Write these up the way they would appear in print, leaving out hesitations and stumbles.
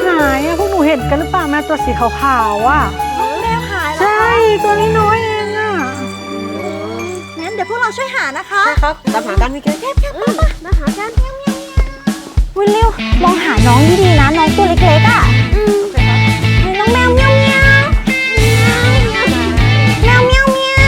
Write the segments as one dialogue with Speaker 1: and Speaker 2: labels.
Speaker 1: หายอะพวกหนูเห็นกันหรือเปล่าแมวตัวสีขาวๆอะ
Speaker 2: แมวหายแล้ว
Speaker 1: ใช่ตัวน้อยๆเองอะ
Speaker 2: งั้นเดี๋ยวพวกเราช่วยหานะคะ
Speaker 3: ใช่ครับตามหากันพี่เกด
Speaker 2: มาหากันวิลลิวมองหาน้องดีๆนะน้องตัวเล็กๆอ่ะน้องแมวเมียวเมียวแมวเมียวเมียว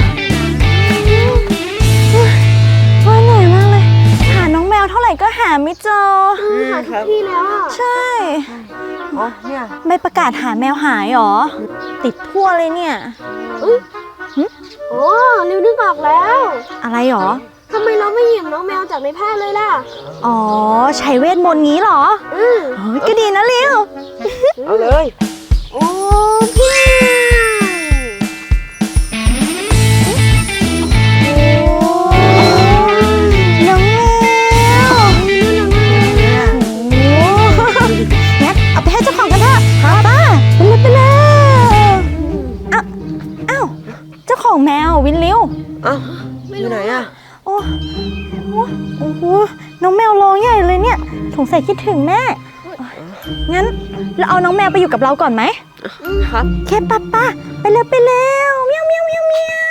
Speaker 2: ว่าเหนื่อยมากเลยหาน้องแมวเท่าไหร่ก็หาไม่เจอ
Speaker 3: หาทุกที่แล้ว
Speaker 2: ใช่
Speaker 3: อ๋อเนี่ย
Speaker 2: ใบประกาศหาแมวหายหรอติดทั่วเลยเนี่ย
Speaker 4: โอ้ริวนึกออกแล้ว
Speaker 2: อะไรหรอ
Speaker 4: ทำไมเราไม่หยิบน้องแมวจากในแพร่เลยล่ะ
Speaker 2: อ๋อใช้เวทมนต์งี้หรอก็ดีนะลิว
Speaker 3: เอาเลย
Speaker 2: โอ้พี่น้องแมวงั้นเอาไปให้เจ้าของกันเถอะป้าไปเลยอ้าวเจ้าของแมววินลิว
Speaker 3: อ้าวอยู่ไหนอะ
Speaker 2: โอ้โหน้องแมวร้องใหญ่เลยเนี่ยสงสัยคิดถึงแม่งั้นเราเอาน้องแมวไปอยู่กับเราก่อนไหม
Speaker 3: ครับ
Speaker 2: เคป้าไปเร็วเมียวเมียวเมียวเมียว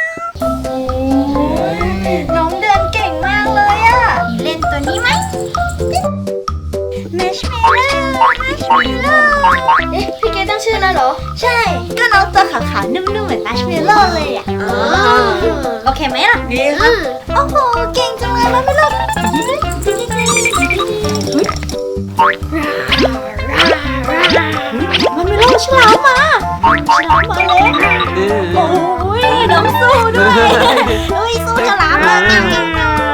Speaker 2: น้องเดินเก่งมากเลยอะเล่นตัวนี้ไหมแมชเมลโล่
Speaker 4: พี่เกดตั้งชื่อแล้วเหรอ
Speaker 2: ใช่ก็น้องตัวขาวๆนุ่มๆเหมือนแมชเมลโล่เลยอะโอเคไหมล่ะ
Speaker 3: ดีครับ
Speaker 2: โอ้โหเก่งจังเลยแมชเมลโล่มันไม่รอดฉลามมาเลยโอ้ยน้องสู้ด้วยเฮ้ยสู้ฉลามเลยน่ารัก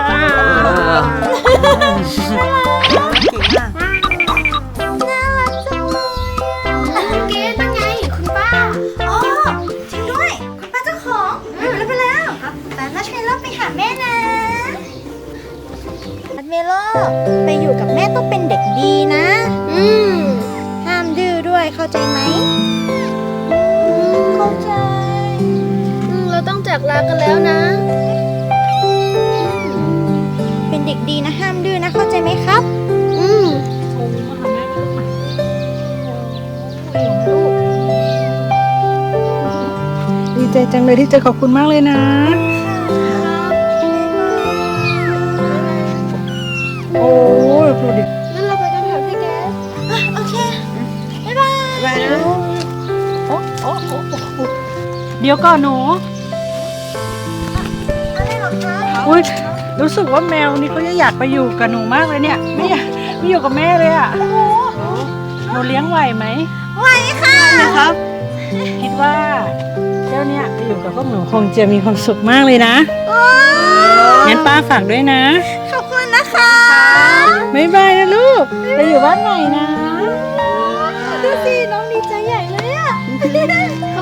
Speaker 2: จังเลย
Speaker 4: เกดนั่นไงคุณป้า
Speaker 2: อ๋อจริงด้วยคุณป้าเจ้าของไปแล้วแต่มัชเมลโล่ไปหาแม่นะมัชเมลโล่ไปอยู่กับแม่ต้องเป็นเด็กดีนะห้ามดื้อด้วยเข้าใจไหมเข้าใจ
Speaker 4: เราต้องจากลากันแล้วนะ
Speaker 2: เป็นเด็กดีนะห้ามดื้อนะเข้าใจไหมครับ
Speaker 1: ดีใจจังเลยที่เจอขอบคุณมากเลยนะโอ้ยดูดิ
Speaker 4: งั้นเราไปกันเถอะพี่แก
Speaker 2: โอเคบ๊ายบาย
Speaker 3: ไปนะ
Speaker 1: เดี๋ยวก่อนหนู
Speaker 2: อะไรหรอคะ
Speaker 1: อุ้ยรู้สึกว่าแมวนี่เขาจะอยากไปอยู่กับหนูมากเลยเนี่ยไม่อยากไม่อยู่กับแม่เลยอ่ะหนูเลี้ยงไหวไหม
Speaker 2: ไหวค่ะ
Speaker 1: นะครับคิดว่าเจ้าเนี่ยไปอยู่กับพวกหนูคงจะมีความสุขมากเลยนะงั้นป้าฝากด้วยนะ
Speaker 2: ขอบคุณนะคะ
Speaker 1: บ๊ายบายนะลูกไปอยู่บ้านใหม่นะ
Speaker 2: ดูสิน้องดีใจใหญ่เลยอ่ะ
Speaker 4: ขอบ